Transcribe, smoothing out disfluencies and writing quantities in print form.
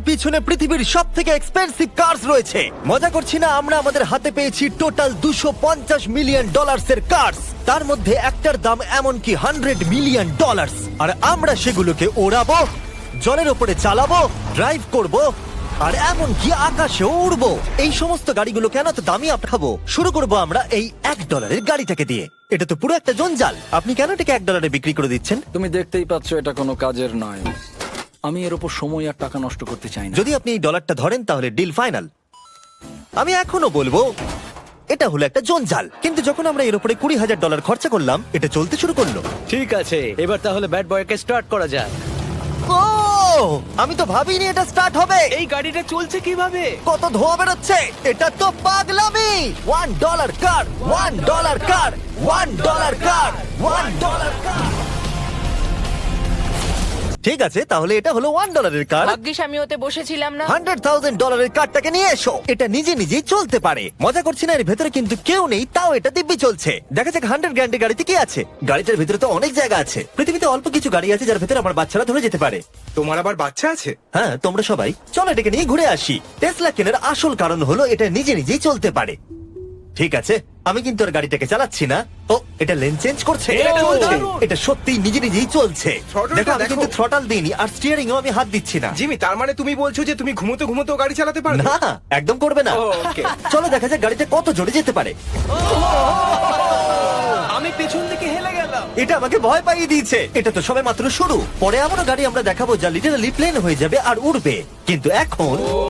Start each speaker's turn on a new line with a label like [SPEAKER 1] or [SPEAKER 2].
[SPEAKER 1] পিছনে পৃথিবীর সব থেকে এক্সপেন্সিভ কার্স রয়েছে। মজা করছি না, আমরা আমাদের হাতে পেয়েছি টোটাল $250 মিলিয়ন এর কার্স। তার মধ্যে একটার দাম এমনকি $100 মিলিয়ন। আর আমরা সেগুলোকে ওড়াবো, জলের ওপরে চালাবো, ড্রাইভ করব, আর এমনকি আকাশেও উড়বো। এই সমস্ত গাড়িগুলো কেন তো দামি খাবো। শুরু করব আমরা এই $1 গাড়িটাকে দিয়ে। এটা তো পুরো একটা জঞ্জাল। আপনি কেন এটাকে $1 বিক্রি করে দিচ্ছেন?
[SPEAKER 2] তুমি দেখতেই পাচ্ছ এটা কোনো কাজের নয়। আমি এর উপর সময় আর টাকা নষ্ট করতে চাই না।
[SPEAKER 1] যদি আপনি এই ডলারটা ধরেন তাহলে ডিল ফাইনাল। আমি এখনো বলবো এটা হলো একটা জঞ্জাল, কিন্তু যখন আমরা এর উপরে $20,000 খরচা করলাম, এটা চলতে শুরু করলো।
[SPEAKER 3] ঠিক আছে, এবার তাহলে ব্যাড বয়কে স্টার্ট করা যাক।
[SPEAKER 1] ও, আমি তো ভাবিনি এটা স্টার্ট হবে।
[SPEAKER 3] এই গাড়িটা চলছে কিভাবে?
[SPEAKER 1] কত ধোঁয়া বেরোচ্ছে, এটা তো পাগলামি। $1 কার, $1 কার, $1 কার, $1 কার। ঠিক আছে, তাহলে এটা হলো $1 কার।
[SPEAKER 4] ভাগ্যিস আমি ওতে বসেছিলাম না।
[SPEAKER 1] $100,000 কারটাকে নিয়ে এসো। এটা নিজে নিজেই চলতে পারে। মজা করছি না, এর ভেতরে কিন্তু কেউ নেই, তাও এটা দিব্যি চলছে। দেখা যাক 100 গ্র্যান্ডের গাড়িতে কি আছে। গাড়িটার ভেতরে তো অনেক জায়গা আছে। পৃথিবীতে অল্প কিছু গাড়ি আছে যার ভেতরে আমার বাচ্চারা ধরে যেতে পারে।
[SPEAKER 5] তোমার আবার বাচ্চা আছে?
[SPEAKER 1] হ্যাঁ, তোমরা সবাই চলো এটাকে নিয়ে ঘুরে আসি। টেসলা কেনার আসল কারণ হলো এটা নিজে নিজেই চলতে পারে। ঠিক আছে, আমি কিন্তু আর গাড়িটাকে চালাচ্ছি না। ও, এটা লেন চেঞ্জ করছে।
[SPEAKER 3] এটা চলছে।
[SPEAKER 1] এটা সত্যিই নিজে নিজেই চলছে।
[SPEAKER 5] Throttle-টা
[SPEAKER 1] দেখো, আমি
[SPEAKER 5] দেখো।
[SPEAKER 1] কিন্তু থ্রটাল দিইনি, আর স্টিয়ারিং আমি হাত দিচ্ছি না।
[SPEAKER 5] জিমি, তার মানে তুমি বলছো যে তুমি ঘুমোতে ঘুমোতে গাড়ি চালাতে পারবে?
[SPEAKER 1] না, একদম করবে না।
[SPEAKER 5] ও, okay.
[SPEAKER 1] চলো দেখা যাক গাড়িটা কত জোরে যেতে পারে।
[SPEAKER 3] আমি পেছন থেকে হেলে গেলাম।
[SPEAKER 1] এটা আমাকে ভয় পাইয়ে দিয়েছে। এটা তো সবে মাত্র শুরু। পরে এমনও গাড়ি আমরা দেখাবো যা লিটারালি প্লেন হয়ে যাবে আর উড়বে। কিন্তু এখন